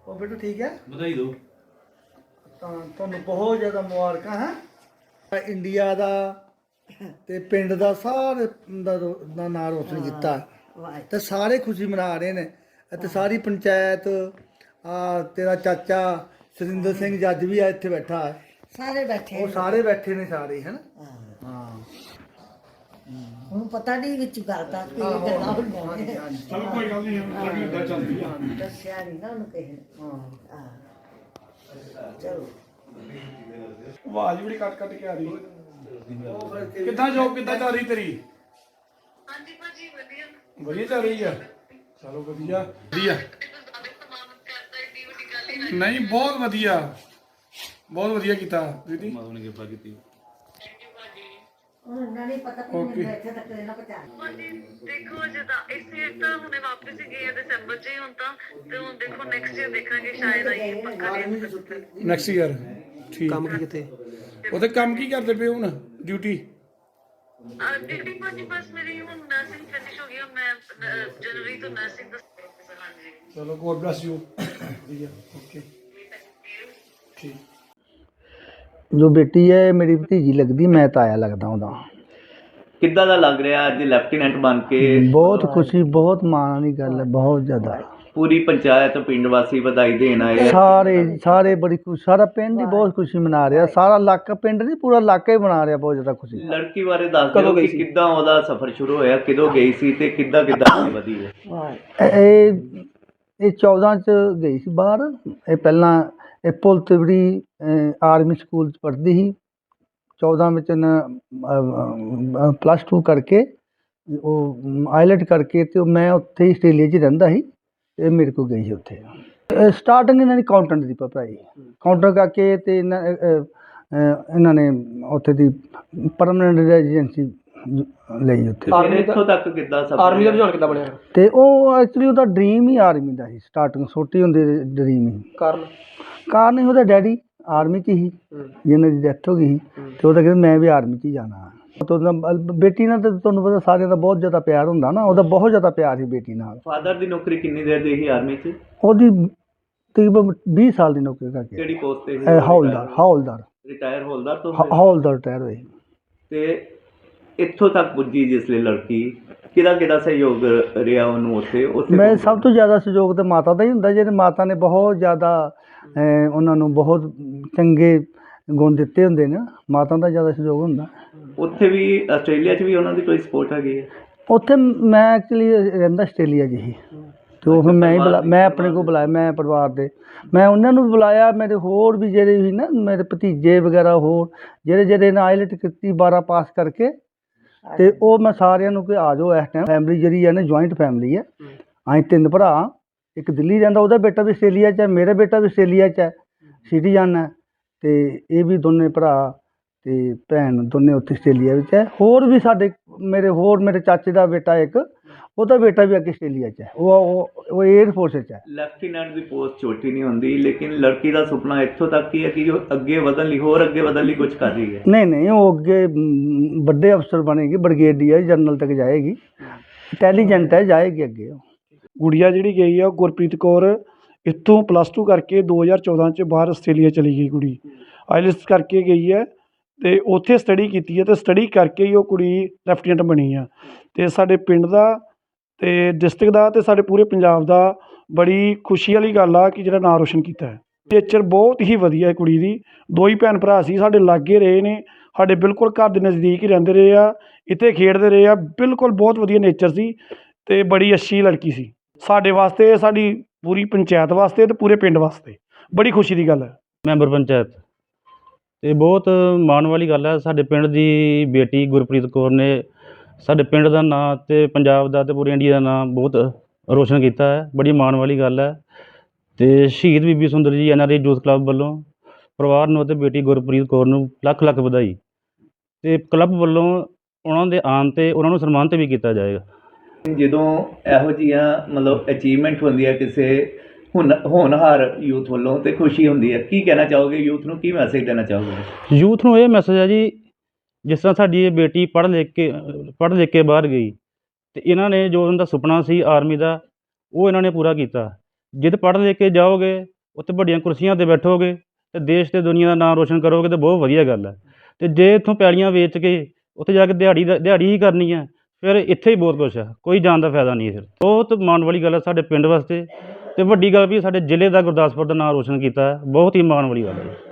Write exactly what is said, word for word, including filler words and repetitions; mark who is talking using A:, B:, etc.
A: ਉਹ ਬੇਟਾ ਠੀਕ ਹੈ,
B: ਵਧਾਈ ਦਿਓ।
A: ਤਾਂ ਤੁਹਾਨੂੰ ਬਹੁਤ ਜ਼ਿਆਦਾ ਮੁਬਾਰਕਾਂ ਹੈ। ਇੰਡੀਆ ਦਾ ਤੇ ਪਿੰਡ ਦਾ ਸਾਰੇ ਦਾ ਰੋ- ਦਾ ਨਾਂ ਰੋਸ਼ਨ ਕੀਤਾ ਤੇ ਸਾਰੇ ਖੁਸ਼ੀ ਮਨਾ ਰਹੇ ਨੇ। ਅਤੇ ਸਾਰੀ ਪੰਚਾਇਤ ਆ ਤੇਰਾ ਚਾਚਾ ਸੁਰਿੰਦਰ ਸਿੰਘ ਜੱਜ ਵੀ ਆ ਇੱਥੇ ਬੈਠਾ ਹੈ,
C: ਸਾਰੇ ਬੈਠੇ
A: ਉਹ ਸਾਰੇ ਬੈਠੇ ਨੇ ਸਾਰੇ ਹੈ ਨਾ।
C: ਹਾਂ।
A: ਹਾਂ
C: ਹੁਣ ਪਤਾ ਨਹੀਂ ਵਿੱਚ ਗੱਲ ਤਾਂ ਕੀ
A: ਆਹੋ,
C: ਗੱਲਾਂ
A: ਹਾਂਜੀ,
C: ਹੁੰਦੀਆਂ
A: ਹਾਂਜੀ।
B: ਚਲ ਕੋਈ ਗੱਲ ਨਹੀਂ, ਹੁਣ ਇਦਾਂ ਚੱਲਦੀ ਆ।
C: ਦੱਸਿਆ ਨਹੀਂ ਨਾ ਉਹਨੂੰ ਕਿਸੇ ਨੇ।
A: ਹਾਂ
C: ਹਾਂ ਚਲੋ
B: ਆਵਾਜ਼ ਬੜੀ ਕੱਟ ਕੱਟ ਕੇ ਆ ਰਹੀ। ਕਿੱਦਾਂ ਜੋਬ ਕਿੱਦਾਂ ਚੱਲ ਰਹੀ ਤੇਰੀ?
D: ਹਾਂਜੀ ਭਾਜੀ ਵਧੀਆ।
B: ਵਧੀਆ ਚੱਲ ਰਹੀ ਆ। ਚਲੋ ਵਧੀਆ ਵਧੀਆ।
D: ਤੁਸੀਂ ਜ਼ਿਆਦਾ ਸਮਾਨ ਕਰਦਾ ਏਡੀ ਵੱਡੀ ਗੱਲ ਹੀ ਨਹੀਂ।
B: ਨਹੀਂ ਬਹੁਤ ਵਧੀਆ, ਬਹੁਤ ਵਧੀਆ ਕੀਤਾ ਦੀਦੀ।
D: ਥੈਂਕ ਯੂ ਭਾਜੀ।
C: ਹੁਣ ਉਹਨਾਂ ਨਹੀਂ ਪਤਾ ਕਿ
B: Okay.
C: ਮੈਂ ਇੱਥੇ ਤੱਕ ਇਹਨਾਂ ਪਹੁੰਚਾ
D: ਭਾਜੀ ਦੇਖੋ ਜਿੱਦਾਂ ਇਸੇ ਤਾਂ ਹੁਣੇ ਵਾਪਸ ਹੀ ਗਏ ਆ ਦਸੰਬਰ ਚ ਹੀ ਹੁਣ ਤਾਂ, ਤੇ ਹੁਣ ਦੇਖੋ ਨੈਕਸਟ ਈਅਰ ਦੇਖਾਂਗੇ ਸ਼ਾਇਦ ਆਈਏ ਪੱਕਾ ਨਹੀਂ।
B: ਨੈਕਸਟ ਈਅਰ ਠੀਕ। ਕੰਮ ਕੀ ਕਿਤੇ ਉਹਦੇ ਕੰਮ ਕੀ ਕਰਦੇ ਪਏ ਹੁਣ ਡਿਊਟੀ?
D: ਡਿਗਰੀ ਭਾਜੀ ਬਸ ਮੇਰੀ ਹੁਣ ਨਰਸਿੰਗ ਫਿਨਿਸ਼ ਹੋ ਗਈ ਆ, ਮੈਂ ਅਹ, ਜਨਵਰੀ ਤੋਂ ਨਰਸਿੰਗ ਦਾ ਹਾਂਜੀ।
B: ਚਲੋ ਗੋਡ ਬlesਸ ਯੂ। ਵਧੀਆ ਓਕੇ ਠੀਕ।
A: ਜੋ ਬੇਟੀ ਹੈ ਮੇਰੀ ਭਤੀਜੀ ਲੱਗਦੀ, ਮੈਂ ਤਾਇਆ ਲੱਗਦਾ ਉਹਦਾ।
E: ਕਿੱਦਾਂ ਦਾ ਲੱਗ ਰਿਹਾ ਅੱਜ ਲੈਫਟੀਨੈਂਟ ਬਣ ਕੇ?
A: ਬਹੁਤ ਖੁਸ਼ੀ, ਬਹੁਤ ਮਾਣ ਵਾਲੀ ਗੱਲ ਹੈ, ਬਹੁਤ ਜ਼ਿਆਦਾ।
E: ਪੂਰੀ ਪੰਚਾਇਤ ਪਿੰਡ ਵਾਸੀ ਵਧਾਈ ਦੇਣ ਆਏ ਆ।
A: ਸਾਰੇ ਸਾਰੇ ਬੜੀ ਖੁਸ਼ੀ, ਸਾਰਾ ਪਿੰਡ ਹੀ ਬਹੁਤ ਖੁਸ਼ੀ ਮਨਾ ਰਿਹਾ, ਸਾਰਾ ਇਲਾਕਾ, ਪਿੰਡ ਨਹੀਂ ਪੂਰਾ ਇਲਾਕਾ ਹੀ ਮਨਾ ਰਿਹਾ ਬਹੁਤ ਜ਼ਿਆਦਾ ਖੁਸ਼ੀ।
E: ਲੜਕੀ ਬਾਰੇ ਦੱਸ ਦਿਓ ਕਿ ਕਿੱਦਾਂ ਉਹਦਾ ਸਫ਼ਰ ਸ਼ੁਰੂ ਹੋਇਆ, ਕਿਦੋਂ ਗਈ ਸੀ ਤੇ ਕਿੱਦਾਂ ਕਿੱਦਾਂ ਅੱਗੇ ਵਧੀ ਹੈ।
A: ਇਹ ਇਹ ਚੌਦਾਂ ਚ ਗਈ ਸੀ ਬਾਹਰ। ਇਹ ਪਹਿਲਾਂ ਇਹ ਪੁਲ ਤਿਵੜੀ ਆਰਮੀ ਸਕੂਲ 'ਚ ਪੜ੍ਹਦੀ ਸੀ। ਚੌਦਾਂ ਵਿੱਚ ਇਹਨੇ ਪਲੱਸ ਟੂ ਕਰਕੇ ਉਹ ਆਈਲੈਟ ਕਰਕੇ ਤੇ ਉਹ ਮੈਂ ਉੱਥੇ ਹੀ ਆਸਟ੍ਰੇਲੀਆ 'ਚ ਹੀ ਰਹਿੰਦਾ ਸੀ। ਇਹ ਮੇਰੇ ਕੋਲ ਗਈ ਸੀ ਉੱਥੇ। ਸਟਾਰਟਿੰਗ ਇਹਨਾਂ ਦੀ ਅਕਾਊਂਟੈਂਟ ਦੀ ਪੜ੍ਹਾਈ, ਕਾਊਂਟਰ ਕਰਕੇ ਤੇ ਇਹਨਾਂ ਅ, ਅ, ਇਹਨਾਂ ਨੇ ਉੱਥੇ ਦੀ ਪਰਮਾਨੈਂਟ ਰੈਜ਼ੀਡੈਂਸੀ ਲਈ ਉੱਥੇ।
E: ਫਿਰ ਇੱਥੋਂ ਤੱਕ ਕਿੱਦਾਂ ਸਫ਼ਰ
B: ਆਰਮੀ ਦਾ
E: ਰਿਹਾ?
B: ਰੁਝਾਨ ਕਿੱਦਾਂ ਬਣਿਆ?
A: ਤੇ ਉਹ ਐਕਚੁਅਲੀ ਉਹਦਾ ਡ੍ਰੀਮ ਹੀ ਆਰਮੀ ਦਾ ਸੀ, ਸਟਾਰਟਿੰਗ ਛੋਟੀ ਹੁੰਦੀ ਡ੍ਰੀਮ ਹੀ।
B: ਕਾਰਨ
A: ਕਾਰਨ ਹੀ ਉਹਦਾ ਡੈਡੀ ਆਰਮੀ 'ਚ ਹੀ, ਜਿਹਨਾਂ ਦੀ ਡੈਥ ਹੋ ਗਈ ਸੀ, ਤੇ ਉਹਦਾ ਕਹਿੰਦਾ ਮੈਂ ਵੀ ਆਰਮੀ 'ਚ ਹੀ ਜਾਣਾ। ਤੇ ਉਹਦਾ ਬੇਟੀ ਨਾਲ ਤਾਂ ਤੁਹਾਨੂੰ ਪਤਾ ਸਾਰਿਆਂ ਦਾ ਬਹੁਤ ਜ਼ਿਆਦਾ ਪਿਆਰ ਹੁੰਦਾ ਨਾ, ਉਹਦਾ ਬਹੁਤ ਜ਼ਿਆਦਾ ਪਿਆਰ ਸੀ ਬੇਟੀ ਨਾਲ।
E: ਫਾਦਰ ਦੀ ਨੌਕਰੀ ਕਿੰਨੀ ਦੇਰ ਦੀ ਸੀ ਆਰਮੀ 'ਚ?
A: ਉਹਦੀ ਤਕਰੀਬਨ ਵੀਹ ਸਾਲ ਦੀ ਨੌਕਰੀ ਕਰਕੇ
E: ਕਿਹੜੀ ਪੋਸਟ ਤੇ ਸੀ?
A: ਇਹ ਹੌਲਦਾਰ ਹੌਲਦਾਰ
E: ਰਿਟਾਇਰ ਹੌਲਦਾਰ ਤੋਂ
A: ਹ- ਹੌਲਦਾਰ ਰਿਟਾਇਰ ਹੋਏ।
E: ਤੇ ਇੱਥੋਂ ਤੱਕ ਪੁੱਜੀ ਜਿਸ ਲਈ ਲੜਕੀ, ਕਿਹਦਾ ਕਿਹਦਾ ਸਹਿਯੋਗ ਰਿਹਾ ਉਹਨੂੰ ਉੱਥੇ ਉੱਥੇ
A: ਮੈਂ ਸਭ ਤੋਂ ਜ਼ਿਆਦਾ ਸਹਿਯੋਗ ਤਾਂ ਮਾਤਾ ਦਾ ਹੀ ਹੁੰਦਾ, ਜਿਹਦੇ ਮਾਤਾ ਨੇ ਬਹੁਤ ਜ਼ਿਆਦਾ ਅਹ, ਉਹਨਾਂ ਨੂੰ ਬਹੁਤ ਚੰਗੇ ਗੁਣ ਦਿੱਤੇ ਹੁੰਦੇ ਨੇ, ਮਾਤਾ ਦਾ ਜ਼ਿਆਦਾ ਸਹਿਯੋਗ ਹੁੰਦਾ।
E: ਉੱਥੇ ਵੀ ਆਸਟ੍ਰੇਲੀਆ 'ਚ ਵੀ ਉਹਨਾਂ ਦੀ ਕੋਈ ਸਪੋਰਟ ਹੈਗੀ ਹੈ?
A: ਉੱਥੇ ਮੈਂ ਐਕਚੁਅਲੀ ਰਹਿੰਦਾ ਆਸਟ੍ਰੇਲੀਆ 'ਚ ਹੀ, ਤੇ ਉਹ ਫਿਰ ਮੈਂ ਹੀ ਬੁਲਾ ਮੈਂ ਆਪਣੇ ਕੋਲ ਬੁਲਾਇਆ, ਮੈਂ ਪਰਿਵਾਰ ਦੇ ਮੈਂ ਉਹਨਾਂ ਨੂੰ ਵੀ ਬੁਲਾਇਆ। ਮੇਰੇ ਹੋਰ ਵੀ ਜਿਹੜੇ ਵੀ ਨਾ ਮੇਰੇ ਭਤੀਜੇ ਵਗੈਰਾ ਹੋਰ ਜਿਹੜੇ ਜਿਹੜੇ ਨੇ ਆਈਲੈਟ ਕੀਤੀ ਬਾਰਾਂ ਪਾਸ ਕਰਕੇ, ਤੇ ਉਹ ਮੈਂ ਸਾਰਿਆਂ ਨੂੰ ਕਿ ਆ ਜਾਓ। ਇਸ ਟਾਈਮ ਫੈਮਿਲੀ ਜਿਹੜੀ ਹੈ ਨਾ ਜੁਆਇੰਟ ਫੈਮਿਲੀ ਹੈ। ਅਸੀਂ ਤਿੰਨ ਭਰਾ, ਇੱਕ ਦਿੱਲੀ ਰਹਿੰਦਾ, ਉਹਦਾ ਬੇਟਾ ਵੀ ਆਸਟ੍ਰੇਲੀਆ 'ਚ ਹੈ, ਮੇਰਾ ਬੇਟਾ ਵੀ ਆਸਟ੍ਰੇਲੀਆ 'ਚ ਹੈ, ਸਿਟੀਜ਼ਨ ਹੈ, ਤੇ ਇਹ ਵੀ ਦੋਨੇ ਭਰਾ ਤੇ ਭੈਣ ਦੋਨੇ ਉੱਥੇ ਆਸਟ੍ਰੇਲੀਆ ਵਿੱਚ ਹੈ। ਹੋਰ ਵੀ ਸਾਡੇ ਮੇਰੇ ਹੋਰ ਮੇਰੇ ਚਾਚੇ ਦਾ ਬੇਟਾ ਇੱਕ, ਉਹਦਾ ਬੇਟਾ ਵੀ ਅੱਗੇ ਆਸਟ੍ਰੇਲੀਆ 'ਚ ਹੈ, ਉਹ ਉਹ ਉਹ ਏਅਰ ਫੋਰਸ 'ਚ ਹੈ।
E: ਲੈਫਟੀਨੈਂਟ ਦੀ ਪੋਸਟ ਛੋਟੀ ਨਹੀਂ ਹੁੰਦੀ, ਲੇਕਿਨ ਲੜਕੀ ਦਾ ਸੁਪਨਾ ਇੱਥੋਂ ਤੱਕ ਹੀ ਹੈ ਕਿ ਉਹ ਅੱਗੇ ਵਧਣ ਲਈ, ਹੋਰ ਅੱਗੇ ਵਧਣ ਲਈ ਕੁਝ ਕਰ ਰਹੀ ਹੈ।
A: ਨਹੀਂ ਨਹੀਂ ਉਹ ਅੱਗੇ ਮ, ਵੱਡੇ ਅਫਸਰ ਬਣੇਗੀ, ਬ੍ਰਿਗੇਡੀਅਰ ਜਨਰਲ ਤੱਕ ਜਾਏਗੀ, ਇੰਟੈਲੀਜੈਂਟ ਹੈ, ਜਾਏਗੀ ਅੱਗੇ ਉਹ।
B: ਗੁੜੀਆ ਜਿਹੜੀ ਗਈ ਆ ਉਹ ਗੁਰਪ੍ਰੀਤ ਕੌਰ ਇੱਥੋਂ ਪਲੱਸ ਟੂ ਕਰਕੇ ਦੋ ਹਜ਼ਾਰ ਚੌਦਾਂ 'ਚ ਬਾਹਰ ਆਸਟ੍ਰੇਲੀਆ ਚਲੀ ਗਈ ਕੁੜੀ। ਆਈਲੈਟਸ ਕਰਕੇ ਗਈ ਹੈ ਅਤੇ ਉੱਥੇ ਸਟੱਡੀ ਕੀਤੀ ਹੈ, ਅਤੇ ਸਟੱਡੀ ਕਰਕੇ ਹੀ ਉਹ ਕੁੜੀ ਲੈਫਟੀਨੈਂਟ ਬਣੀ ਆ। ਅਤੇ ਸਾਡੇ ਪਿੰਡ ਦਾ ਅਤੇ ਡਿਸਟ੍ਰਿਕਟ ਦਾ ਅਤੇ ਸਾਡੇ ਪੂਰੇ ਪੰਜਾਬ ਦਾ ਬੜੀ ਖੁਸ਼ੀ ਵਾਲੀ ਗੱਲ ਆ ਕਿ ਜਿਹੜਾ ਨਾਂ ਰੋਸ਼ਨ ਕੀਤਾ ਹੈ। ਨੇਚਰ ਬਹੁਤ ਹੀ ਵਧੀਆ ਹੈ ਕੁੜੀ ਦੀ। ਦੋ ਹੀ ਭੈਣ ਭਰਾ ਸੀ, ਸਾਡੇ ਲਾਗੇ ਰਹੇ ਨੇ, ਸਾਡੇ ਬਿਲਕੁਲ ਘਰ ਦੇ ਨਜ਼ਦੀਕ ਹੀ ਰਹਿੰਦੇ ਰਹੇ ਆ, ਇੱਥੇ ਖੇਡਦੇ ਰਹੇ ਆ, ਬਿਲਕੁਲ ਬਹੁਤ ਵਧੀਆ ਨੇਚਰ ਸੀ ਅਤੇ ਬੜੀ ਅੱਛੀ ਲੜਕੀ ਸੀ। ਸਾਡੇ ਵਾਸਤੇ, ਸਾਡੀ ਪੂਰੀ ਪੰਚਾਇਤ ਵਾਸਤੇ ਅਤੇ ਪੂਰੇ ਪਿੰਡ ਵਾਸਤੇ ਬੜੀ ਖੁਸ਼ੀ ਦੀ ਗੱਲ ਹੈ।
F: ਮੈਂਬਰ ਪੰਚਾਇਤ ਅਤੇ ਬਹੁਤ ਮਾਣ ਵਾਲੀ ਗੱਲ ਹੈ। ਸਾਡੇ ਪਿੰਡ ਦੀ ਬੇਟੀ ਗੁਰਪ੍ਰੀਤ ਕੌਰ ਨੇ ਸਾਡੇ ਪਿੰਡ ਦਾ ਨਾਂ ਅਤੇ ਪੰਜਾਬ ਦਾ ਅਤੇ ਪੂਰੇ ਇੰਡੀਆ ਦਾ ਨਾਂ ਬਹੁਤ ਰੋਸ਼ਨ ਕੀਤਾ ਹੈ। ਬੜੀ ਮਾਣ ਵਾਲੀ ਗੱਲ ਹੈ। ਅਤੇ ਸ਼ਹੀਦ Bibi Sundar ji N R I youth club ਵੱਲੋਂ ਪਰਿਵਾਰ ਨੂੰ ਅਤੇ ਬੇਟੀ ਗੁਰਪ੍ਰੀਤ ਕੌਰ ਨੂੰ ਲੱਖ ਲੱਖ ਵਧਾਈ। ਅਤੇ ਕਲੱਬ ਵੱਲੋਂ ਉਹਨਾਂ ਦੇ ਆਉਣ 'ਤੇ ਉਹਨਾਂ ਨੂੰ ਸਨਮਾਨਿਤ ਵੀ ਕੀਤਾ ਜਾਏਗਾ।
E: ਜਦੋਂ ਇਹੋ ਜਿਹੀਆਂ ਮਤਲਬ ਅਚੀਵਮੈਂਟ ਹੁੰਦੀ ਹੈ ਕਿਸੇ ਹੁਣ ਹੋਣਹਾਰ ਯੂਥ ਵੱਲੋਂ, ਤੇ ਖੁਸ਼ੀ ਹੁੰਦੀ ਹੈ। ਕੀ ਕਹਿਣਾ ਚਾਹੋਗੇ ਯੂਥ ਨੂੰ, ਕੀ ਮੈਸੇਜ ਦੇਣਾ ਚਾਹੋਗੇ?
F: ਯੂਥ ਨੂੰ ਇਹ ਮੈਸੇਜ ਹੈ ਜੀ, ਜਿਸ ਤਰ੍ਹਾਂ ਸਾਡੀ ਇਹ ਬੇਟੀ ਪੜ੍ਹ ਲਿਖ ਕੇ ਪੜ੍ਹ ਲਿਖ ਕੇ ਬਾਹਰ ਗਈ, ਅਤੇ ਇਹਨਾਂ ਨੇ ਜੋ ਉਹਨਾਂ ਦਾ ਸੁਪਨਾ ਸੀ ਆਰਮੀ ਦਾ, ਉਹ ਇਹਨਾਂ ਨੇ ਪੂਰਾ ਕੀਤਾ। ਜਿੱਦ ਪੜ੍ਹ ਲਿਖ ਕੇ ਜਾਓਗੇ ਉੱਥੇ ਵੱਡੀਆਂ ਕੁਰਸੀਆਂ 'ਤੇ ਬੈਠੋਗੇ ਅਤੇ ਦੇਸ਼ ਅਤੇ ਦੁਨੀਆ ਦਾ ਨਾਮ ਰੋਸ਼ਨ ਕਰੋਗੇ ਤਾਂ ਬਹੁਤ ਵਧੀਆ ਗੱਲ ਹੈ। ਅਤੇ ਜੇ ਇੱਥੋਂ ਪੈਲੀਆਂ ਵੇਚ ਕੇ ਉੱਥੇ ਜਾ ਕੇ ਦਿਹਾੜੀ ਦਾ ਦਿਹਾੜੀ ਹੀ ਕਰਨੀ ਹੈ, ਫਿਰ ਇੱਥੇ ਹੀ ਬਹੁਤ ਕੁਛ ਹੈ, ਕੋਈ ਜਾਣ ਦਾ ਫਾਇਦਾ ਨਹੀਂ। ਫਿਰ ਬਹੁਤ ਮਾਣ ਵਾਲੀ ਗੱਲ ਹੈ ਸਾਡੇ ਪਿੰਡ ਵਾਸਤੇ, ਅਤੇ ਵੱਡੀ ਗੱਲ ਵੀ ਸਾਡੇ ਜ਼ਿਲ੍ਹੇ ਦਾ ਗੁਰਦਾਸਪੁਰ ਦਾ ਨਾਮ ਰੋਸ਼ਨ ਕੀਤਾ ਹੈ, ਬਹੁਤ ਹੀ ਮਾਣ ਵਾਲੀ ਗੱਲ ਹੈ।